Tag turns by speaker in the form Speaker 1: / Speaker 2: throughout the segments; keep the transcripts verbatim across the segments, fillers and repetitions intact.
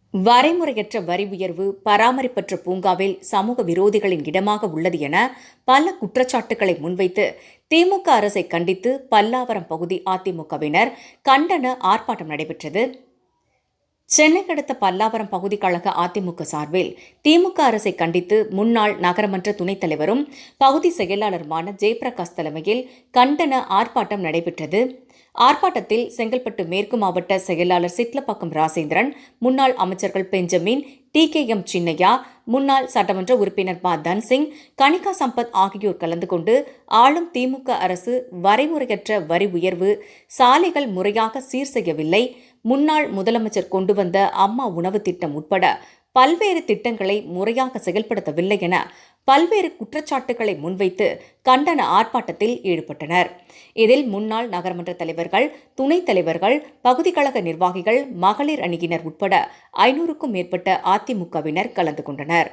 Speaker 1: வரைமுறையற்ற வரி உயர்வு பராமரிப்பற்ற பூங்காவில் சமூக விரோதிகளின் இடமாக உள்ளது என பல குற்றச்சாட்டுகளை முன்வைத்து திமுக அரசை கண்டித்து பல்லாவரம் பகுதி அதிமுகவினர் கண்டன ஆர்ப்பாட்டம் நடைபெற்றது. சென்னை அடுத்த பல்லாவரம் பகுதி கழக அதிமுக சார்பில் திமுக அரசை கண்டித்து முன்னாள் நகரமன்ற துணைத் தலைவரும் பகுதி செயலாளருமான ஜெயபிரகாஷ் தலைமையில் கண்டன ஆர்ப்பாட்டம் நடைபெற்றது. ஆர்ப்பாட்டத்தில் செங்கல்பட்டு மேற்கு மாவட்ட செயலாளர் சிட்லப்பாக்கம் ராசேந்திரன், முன்னாள் அமைச்சர்கள் Benjamin, T K M Chinnaiah, முன்னாள் சட்டமன்ற உறுப்பினர் ப தன்சிங், கனிகா சம்பத் ஆகியோர் கலந்து கொண்டு ஆளும் திமுக அரசு வரைமுறையற்ற வரி உயர்வு, சாலைகள் முறையாக சீர் செய்யவில்லை, முன்னாள் முதலமைச்சர் கொண்டு வந்த அம்மா உணவு திட்டம் உட்பட பல்வேறு திட்டங்களை முறையாக செயல்படுத்தவில்லை என பல்வேறு குற்றச்சாட்டுகளை முன்வைத்து கண்டன ஆர்ப்பாட்டத்தில் ஈடுபட்டனர். இதில் முன்னாள் நகரமன்ற தலைவர்கள், துணைத் தலைவர்கள், பகுதி கழக நிர்வாகிகள், மகளிர் அணியினர் உட்பட ஐநூறுக்கும் மேற்பட்ட அதிமுகவினர் கலந்து கொண்டனர்.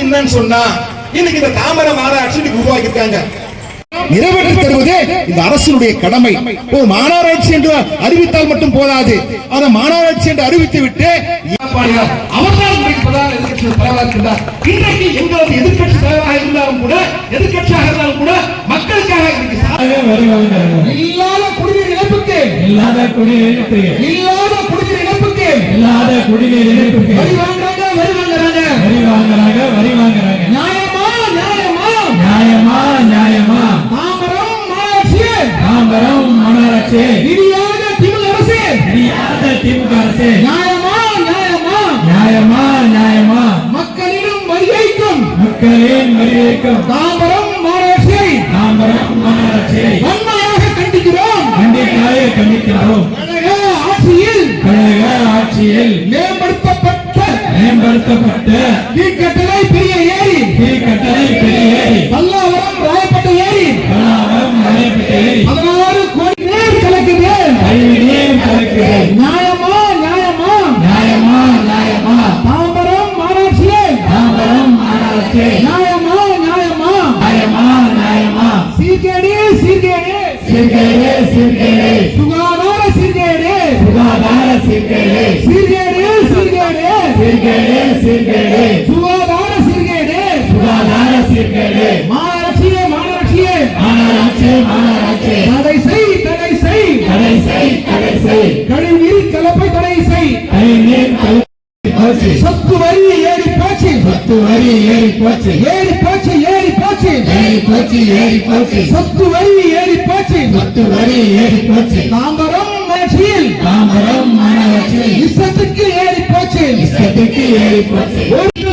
Speaker 2: நிறைவேற்றி தருவதே இந்த அரசினுடைய கடமை. ஒரு மாநகராட்சி என்று அறிவித்தால் மட்டும் போதாது, அதை மாநகராட்சி என்று அறிவித்து விட்டு அவர்களால் இன்றைக்கு எங்களது எதிர்கட்சி தலைவராக இருந்தாலும் கூட எதிர்கட்சியாக இருந்தாலும் கூட மக்களுக்காக இல்லாத குடிநீர் இழப்புக்கு இல்லாத குடிநீர் இல்லாத குடிநீர் இழப்புக்கு இல்லாத குடிநீர் இழப்புக்கு வரி வாங்குறாங்க வரி வாங்குறாங்க வரி வாங்குறாங்க வரி வாங்குறாங்க நியாயமா நியாயமா நியாயமா நியாயமா தாம்பரம் மாநகராட்சி தாம்பரம் மாநகராட்சி இடியாத திமுக அரசு இடியாத திமுக அரசு நியாயமா நியாயமா நியாயமா நியாயமா மக்களிடம் வரிவைக்கும் மக்களின் வரிவைக்கும் தாம்பரம் மாநகராட்சி தாம்பரம் மாநகராட்சி வன்மையாக கண்டிக்கிறோம் கண்டிப்பாக கண்டிக்கிறோம். கழக ஆட்சியில் கழக ஆட்சியில் மேம்படுத்தப்பட்ட மேம்படுத்தப்பட்ட கீழ்கட்டளை பெரிய ஏரி கீழ்கட்டளை பெரிய ஏரி பல்லாவரம் ராயப்பட்ட ஏரி பல்லாவரம் ராயப்பட்ட ஏரி பதினாறு கோடி நீர் கலக்குது நீர் கலக்குது நியாயமா நியாயமா நியாயமா நியாயமா தாம்பரம் மாநகராட்சியே தாம்பரம் மாநகராட்சி நியாயமா நியாயமா நியாயமா நியாயமா சீர்கேடு சீர்கேடு சீர்கேடு சீர்கேடு சுகாதார சீர்கேடு சுகாதார சீர்கேடு சீர்கேடு சீர்கேடு சீர்கேடு சீர்கேடு சுகாதார சீர்கேடு சுகாதார சீர்கேடு மாநகராட்சியே மாநகராட்சியே மாநகராட்சி மாநகராட்சி தடை செய் தடை செய் தடை செய் தடை செய் கழிவுநீர் கலப்பை தடை செய் கழிவுநீர் கலப்பை சொத்து வரி ஏறி போச்சு சொத்து வரி ஏறி போச்சு ஏறி போச்சு ஏறி போச்சு ஏறி போச்சு ஏறி போச்சு சொத்து வரி ஏறி போச்சு சொத்து வரி ஏறி போச்சு தாம்பரம் மாநகராட்சியில் தாம்பரம் மாநகராட்சி இஷ்டத்துக்கு ஏறி போச்சு இஷ்டத்துக்கு ஏறி போச்சு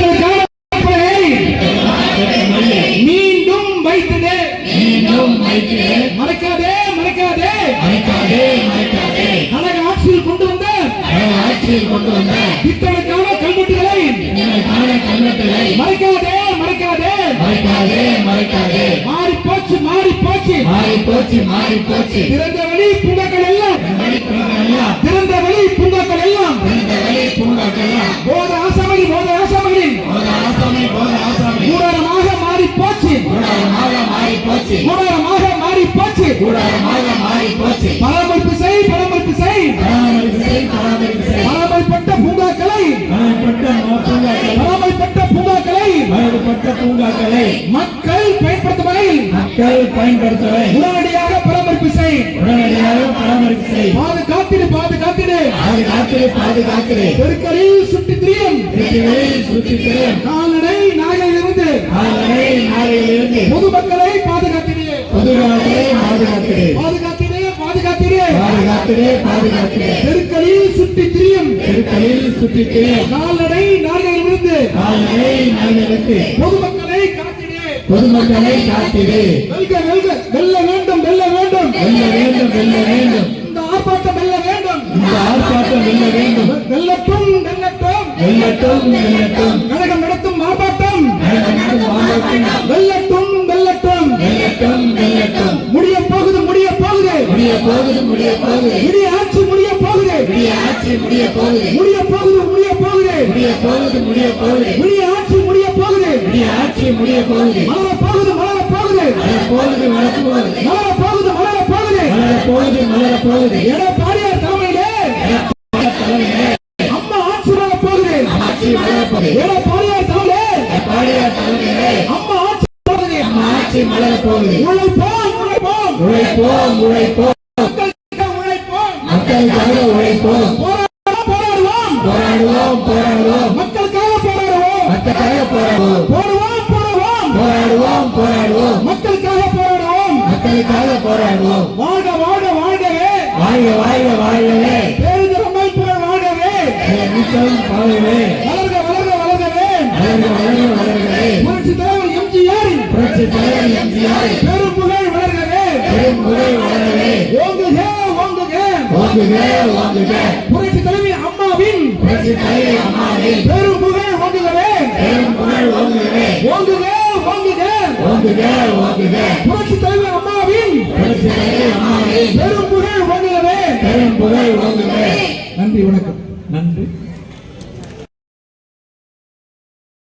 Speaker 2: மீண்டும் வைத்தது மீண்டும் வைத்தது மறக்காதே மறக்காதே மறக்காதே மறக்காதே கழக ஆட்சியில் கொண்டு வந்த ஆட்சியில் கொண்டு வந்த இத்தனைக்கான கல்வெட்டுகளை கல்வெட்டுகளை மறைக்காதே மறைக்காதே மறைக்காதே மறைக்காதே மாறி போச்சு மாறி போச்சு மாறி போச்சு மாறி போச்சு திறந்த வழி பூங்காக்கள் எல்லாம் திறந்த வழி பூங்காக்கள் எல்லாம் திறந்த வழி பூங்காக்கள் எல்லாம் போத ஆசாமி போத ஆசாமி போத ஆசாமி போத ஆசாமி கூடாரமாக மாறி போச்சு கூடாரமாக மாறி போச்சு கூடாரமாக மாறி போச்சு கூடாரமாக மாறி போச்சு பராமரிப்பு செய் பராமரிப்பு செய் பராமரிப்பு செய் பராமரிப்பு செய் பராமரிப்பட்ட பூங்காக்களை பராமரிப்பட்ட பூங்காக்களை பராமரிப்பட்ட பூங்காக்களை மக்கள் பயன்படுத்தும் வகையில் மக்கள் பயன்படுத்தும் வகையில் உடனடியாக பராமரிப்பு செய் உடனடியாக பராமரிப்பு செய் பாதுகாத்திடு பாதுகாத்திடு பாதுகாத்திடு பாதுகாத்திடு தெருக்களில் சுற்றி திரியும் தெருக்களில் சுற்றி திரியும் கால்நடை நாகையிலிருந்து கால்நடை நாகையிலிருந்து பொதுமக்களை பாதுகாத்திடு பொதுமக்களை பாதுகாத்திடு பாதுகாத்திடு பாதுகாத்திடு பாதுகாத்திடு பாதுகாத்திடு தெருக்களில் சுற்றி திரியும் தெருக்களில் சுற்றி திரியும் கால்நடை நாகையிலிருந்து கால்நடை நாகையிலிருந்து பொதுமக்களை காத்திடு பொதுமக்களை காத்திடு வெல்க வெல்க வெல்ல வேண்டும் வெல்ல வேண்டும் வெல்ல வேண்டும் வெல்ல வேண்டும் இந்த ஆர்ப்பாட்டம் வெல்ல வேண்டும் இந்த ஆர்ப்பாட்டம் வெல்ல வேண்டும் வெல்லட்டும் வெல்லட்டும் வெல்லட்டும் வெல்லட்டும் கழகம் நடத்தும் ஆர்ப்பாட்டம் வெல்லட்டும் வெல்லட்டும் வெல்லட்டும் வெல்லட்டும் முடிய போகுது முடிய போகுது முடிய போகுது முடிய போகுது முடிய ஆட்சி முடிய போகுது முடிய ஆட்சி முடிய போகுது முடிய போகுது முடிய போகுது முடிய போகுது முடிய போகுது முடிய ஆட்சி முடிய போகுது முடிய ஆட்சி முடிய போகுது மலர போகுது மலர போகுது மலர போகுது மலர போகுது மலர போகுது மலர போகுது மலர போகுது மலர போகுது எடப்பாடியார் தலைமையிலே அம்மா ஆட்சி வர போகுது சிறப்பது
Speaker 3: எடப்பாடியார் தலைவரே
Speaker 2: எடப்பாடியார் தலைமையிலே
Speaker 3: அம்மா ஆட்சி மலருது.
Speaker 2: நம்ம ஆட்சி மலரப் போகுது.
Speaker 3: உழைப்போம் உழைப்போம்
Speaker 2: உழைப்போம் உழைப்போம்
Speaker 3: மக்களுக்காக உழைப்போம்
Speaker 2: மக்களுக்காக உழைப்போம்
Speaker 3: போராடுவோம் போராடுவோம்
Speaker 2: போராடுவோம் போராடுவோம்
Speaker 3: மக்களுக்காக போராடுவோம்
Speaker 2: மக்களுக்காக போராடுவோம்
Speaker 3: போடுவோம் போடுவோம்
Speaker 2: போராடுவோம் போராடுவோம்
Speaker 3: மக்களுக்காக போராடுவோம்
Speaker 2: மக்களுக்காக போராடுவோம்.
Speaker 3: வாழ்க வாழ்க வாழ்கவே
Speaker 2: வாழ்க வாழ்க வாழ்கவே
Speaker 3: பேரிதர் அமைப்புகள் வாழ்கவே
Speaker 2: நிச்சயம் வாழ்கவே
Speaker 3: வளர்க வளர்க வளர்கவே
Speaker 2: வளர்க வளர்க வளர்கவே
Speaker 3: புரட்சி தலைவர் எம்ஜிஆரின்
Speaker 2: புரட்சி தலைவர் எம்ஜிஆர்
Speaker 3: பெரும் புகழ் வளர்கவே
Speaker 2: பெரும் புகழ் வளரவே
Speaker 3: ஓங்குக ஓங்குக
Speaker 2: ஓங்குக ஓங்குக
Speaker 3: புரட்சி தலைவி அம்மாவின்
Speaker 2: புரட்சி தலைவர் அம்மாவின்
Speaker 3: பெரும் புகழ் ஓங்குகவே
Speaker 2: பெரும் புகழ் ஓங்குகவே
Speaker 3: ஓங்குக ஓங்குக
Speaker 2: ஓங்குக ஓங்குக
Speaker 3: புரட்சி தலைவி அம்மாவின்
Speaker 2: புரட்சி தலைவர் அம்மாவின்
Speaker 3: பெரும் புகழ் ஓங்குகவே
Speaker 2: பெரும் புகழ் ஓங்குக.
Speaker 3: நன்றி வணக்கம்.